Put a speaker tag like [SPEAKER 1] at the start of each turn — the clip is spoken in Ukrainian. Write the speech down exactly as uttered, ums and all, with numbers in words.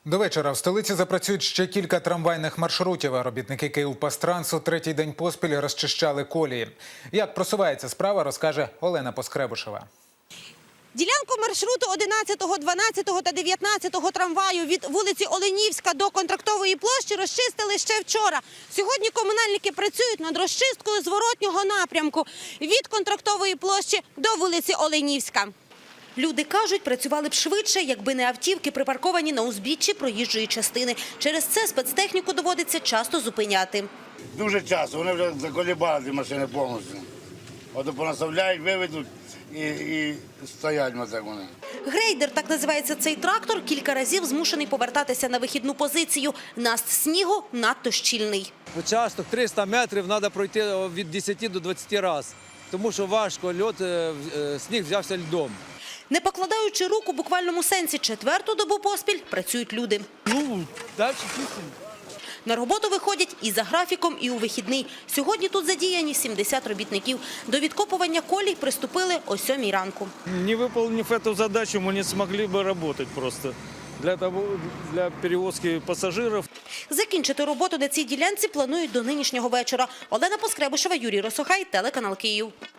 [SPEAKER 1] До вечора в столиці запрацюють ще кілька трамвайних маршрутів, а робітники «Київпастрансу» третій день поспіль розчищали колії. Як просувається справа, розкаже Олена Поскребушева.
[SPEAKER 2] Ділянку маршруту одинадцятого, дванадцятого та дев'ятнадцятого трамваю від вулиці Оленівська до Контрактової площі розчистили ще вчора. Сьогодні комунальники працюють над розчисткою зворотнього напрямку від Контрактової площі до вулиці Оленівська. Люди кажуть, працювали б швидше, якби не автівки, припарковані на узбіччі проїжджої частини. Через це спецтехніку доводиться часто зупиняти.
[SPEAKER 3] Дуже часто, вони вже заколібали ті машини повністю. От понаставляють, виведуть і, і стоять на так вони.
[SPEAKER 2] Грейдер, так називається цей трактор, кілька разів змушений повертатися на вихідну позицію. Наст снігу надто щільний.
[SPEAKER 4] Участок триста метрів треба пройти від десяти до двадцяти разів, тому що важко, льод, сніг взявся льдом.
[SPEAKER 2] Не покладаючи рук у буквальному сенсі, четверту добу поспіль працюють люди.
[SPEAKER 4] Ну, далі чистимо.
[SPEAKER 2] На роботу виходять і за графіком, і у вихідний. Сьогодні тут задіяні сімдесят робітників. До відкопування колій приступили о сьомій ранку.
[SPEAKER 5] Не выполнив эту задачу, мы не смогли бы работать просто для того, для перевозки пассажиров.
[SPEAKER 2] Закінчити роботу на цій ділянці планують до нинішнього вечора. Олена Поскребушева, Юрій Росохай, телеканал Київ.